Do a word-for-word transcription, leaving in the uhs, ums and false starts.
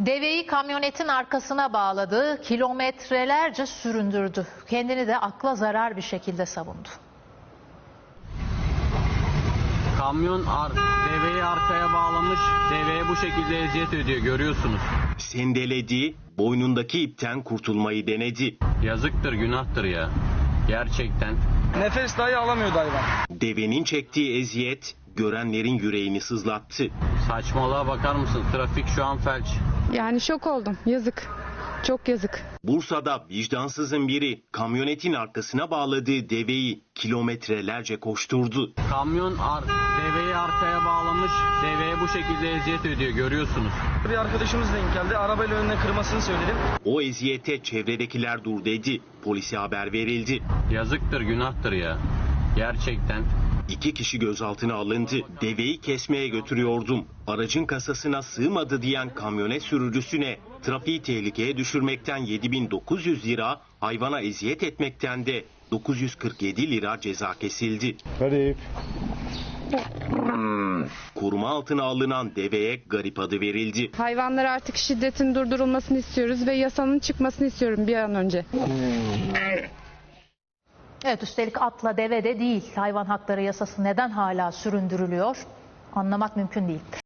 Deveyi kamyonetin arkasına bağladı, kilometrelerce süründürdü. Kendini de akla zarar bir şekilde savundu. Kamyon ar deveyi arkaya bağlamış, deveye bu şekilde eziyet ediyor, görüyorsunuz. Sendeledi, boynundaki ipten kurtulmayı denedi. Yazıktır, günahtır ya. Gerçekten. Nefes dahi alamıyordu hayvan. Devenin çektiği eziyet görenlerin yüreğini sızlattı. Saçmalığa bakar mısın? Trafik şu an felç. Yani şok oldum. Yazık. Çok yazık. Bursa'da vicdansızın biri kamyonetin arkasına bağladığı deveyi kilometrelerce koşturdu. Kamyon ar deveyi arkaya bağlamış, deveye bu şekilde eziyet ediyor, görüyorsunuz. Bir arkadaşımız denk geldi. Arabayla önüne kırmasını söyledim. O eziyete çevredekiler dur dedi. Polise haber verildi. Yazıktır, günahtır ya. Gerçekten. İki kişi gözaltına alındı. Deveyi kesmeye götürüyordum. Aracın kasasına sığmadı diyen kamyonet sürücüsüne trafiği tehlikeye düşürmekten yedi bin dokuz yüz lira, hayvana eziyet etmekten de dokuz yüz kırk yedi lira ceza kesildi. Garip. Koruma altına alınan deveye garip adı verildi. Hayvanlara artık şiddetin durdurulmasını istiyoruz ve yasanın çıkmasını istiyorum bir an önce. Evet, üstelik atla deve de değil. Hayvan hakları yasası neden hala süründürülüyor? Anlamak mümkün değil.